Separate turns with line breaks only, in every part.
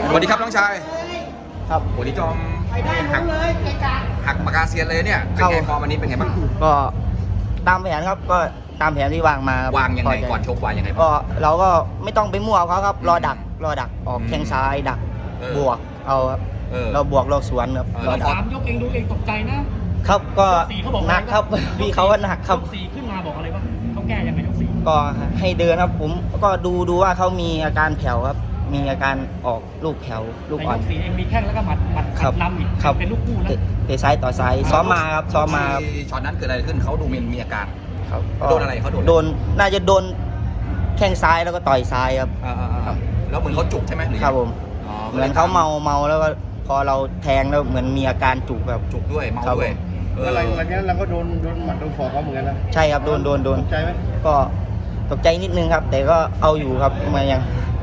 สวัสดีครับน้องชาย
ครับ
โอ้นี่จอมหักปากกาเซียนเลยเนี่ยเป็นไงฟอร์มวันนี้เป็นไงบ้าง
ก็ตามแผนครับก็ตามแผนที่วางมาว
างยังไงก่อนชกวางยังไง
ก็เราก็ไม่ต้องไปมั่วเขาครับรอดักออกแข้งซ้ายดักบวกเอาครับเราบวกเราสวนครับ
รอดัก3 ยกเองดูเองตกใจนะครับ
ก็หนักครับพี่เขาก็หนักครับ
4ขึ้นมาบอกอะไรบ้างเขาแก้ยังไงยก4
ก็ให้เดินครับผมก็ดูว่าเขามีอาการแผ่วครับมีอาการออกลูกแผ่วลูกอ่อน
ยก4เองมีแข้งแล้วก็หมัดนำอีกเป็นลูกคู่นะ
เตะซ้ายต่อซ้ายซ้อมมาครับช็
อตนั้นเกิดอะไรขึ้นเขาดูมีอาการ
ครับ
โดนอะไรเขา
โดนน่าจะโดนแข้งซ้ายแล้วก็ต่อยซ้ายครับ
แล้วเหมือนเขาจุกใช่ไหม
ครับผมเหมือนเขาเมาแล้วก็พอเราแทงแล้วเหมือนมีอาการจุกแบบ
จุกด้วยเมาด้วย
อะไรวันนี้เราก็โดนหมัดโดนศอกเขาเหมือนกันนะ
ใช่ครับโดน
ตกใจไหม
ก็ตกใจนิดนึงครับแต่ก็เอาอยู่ครับมายัง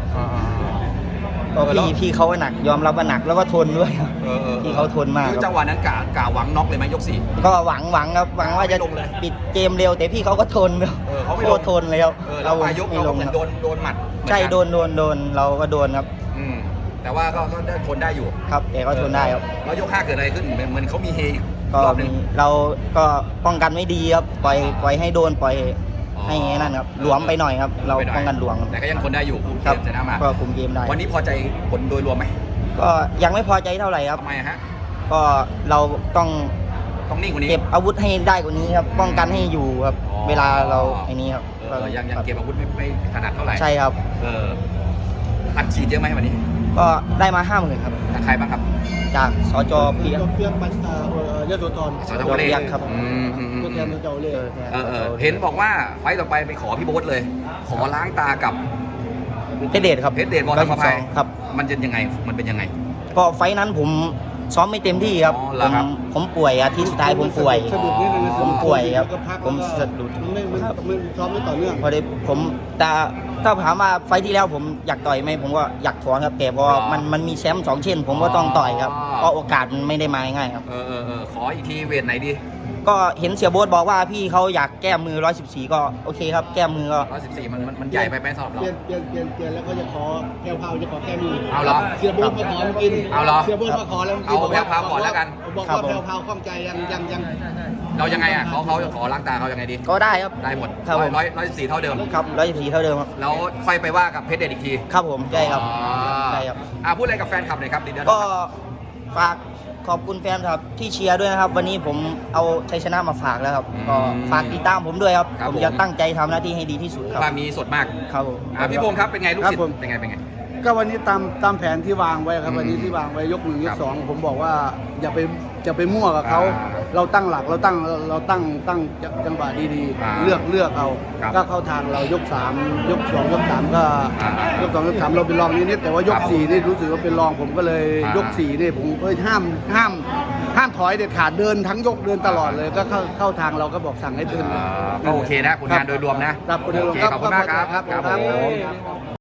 พี่เขาหนักยอมรับว่าหนักแล้วก็ทนด้วยพี่เขาทนมาก
จังหวะนั้นกะหวังน็อกเลยไหมยก4
ก็หวังครับหวังว่าจะปิดเกมเร็วแต่พี่เขาก็ทน
เขาไม่
ทนเลยครับ
เราไปยกเราเหมือนโดนหมัด
ใช่โดนเราก็โดนครับ
แต่ว่าก็ทนได้อยู่
ครับแต่ก็ทนได้ครับ
แล้วยก5เกิดอะไรขึ้นเหมือนเขามีเฮ
รอบนึงเราก็ป้องกันไม่ดีครับปล่อยให้โดนปล่อยให้นั่นครับหลวมไปหน่อยครับเราป้องกันหลวม
แต่ก็ยังทนได้อยู่คุมเกมชนะมา
ก็คุมเกมได้
วันนี้พอใจผลโดยรวมไหม
ก็ยังไม่พอใจเท่าไหร่ครับ
ทำไมฮะ
ก็เราต้อง
นิ่งกว่านี้
เก็บอาวุธให้ได้กว่านี้ครับป้องกันให้อยู่ครับเวลาเราไอ้นี้ครับ
ยังเก็บอาวุธไม่ถนัดเท่าไหร่
ใช่ครับ
อัดฉีดเยอะไหมวันนี้
ก็ได้มา50,000ครับ
จากใครบ้างครับ
จากสจ.เพียง
มันยโสธร
สจ.เล็ก
ครับ
ตัวแทนสจ.เล็ก
เห็นบอกว่าไฟต่อไปขอพี่โบ๊ทเลยขอล้างตากับ
เพชรเดชครับ
เพชรเดชบอลธรรมภัย
ครับ
มันเป็นยังไง
ก็ไฟนั้นผมซ้อมไม่เต็มที่ครับผมป่วยอาทิตย์สุดท้ายผมป่วยครับผมสะดุด
ไม่ซ้อมไม่ต่อเนื่อง
พอดีผมแต่ถ้าถามว่าไฟที่แล้วผมอยากต่อยไหมผมก็อยากถอนครับแต่พอมันมีแชมป์2 เช่นผมก็ต้องต่อยครับเพราะโอกาสมันไม่ได้มาง่ายครับ
ขออีกทีเวทไหนดี
ก็เห็นเสียโบ๊ทบอกว่าพี่เขาอยากแก้มือ114ก็โอเคครับแก้มือก็
114มันใหญ่ไปสำหรับเรา
เปลี่ยนแล้วก็จะขอแก้วเผาจะขอแก้มือ
เอาเหรอ
เสียโบ๊ทมาขอกิน
เอาเหรอ
เสียโบ๊ทมาขอแล้ว
เอาแก้วเผาก่อนแล้วกัน
บอกว่าแก้วเผาข้องใจยัง
เรายังไงอ่ะเขาจะขอล้างตาเขายังไงดี
ก็ได้ครับ
ได้หมด114เท่าเดิม
ครับ114เท่าเดิมครับ
แล้วค่อยไปว่ากับเพชรเดชอีกที
ครับผมใช่ครับใช่ครับ
พูดอะไรกับแฟนคลับหน่อยครับ
ก็ฝากขอบคุณแฟนครับที่เชียร์ด้วยนะครับวันนี้ผมเอาชัยชนะมาฝากแล้วครับก็ฝากติดตามผมด้วยครับผมจะตั้งใจทำหน้าที่ให้ดีที่สุดครับ
ความมีสดมาก
ครับผม
พี่พงศ์ครับเป็นไงลูกศิษย์เป็นไง
ก็วันนี้ตามแผนที่วางไว้ครับวันนี้ที่วางไว้ยก1ยก2ผมบอกว่าอย่าไปมั่วกับเขาเราตั้งหลักเราตั้งจังหวะดีๆเลือกเอาก็เข้าทางเรายก3ยก2ยก3ก็ยก2ยก3เราเป็นรองนิดแต่ว่ายก4นี่รู้สึกว่าเป็นรองผมก็เลยยก4นี่ผมห้ามถอยเด็ดขาดเดินทั้งยกเดินตลอดเลยก็เข้าทางเราก็บอกสั่งให้เดิน
ก็โอเคนะผลงานโดยรวมนะ
ครับโอเค
ขอบคุณมากครับ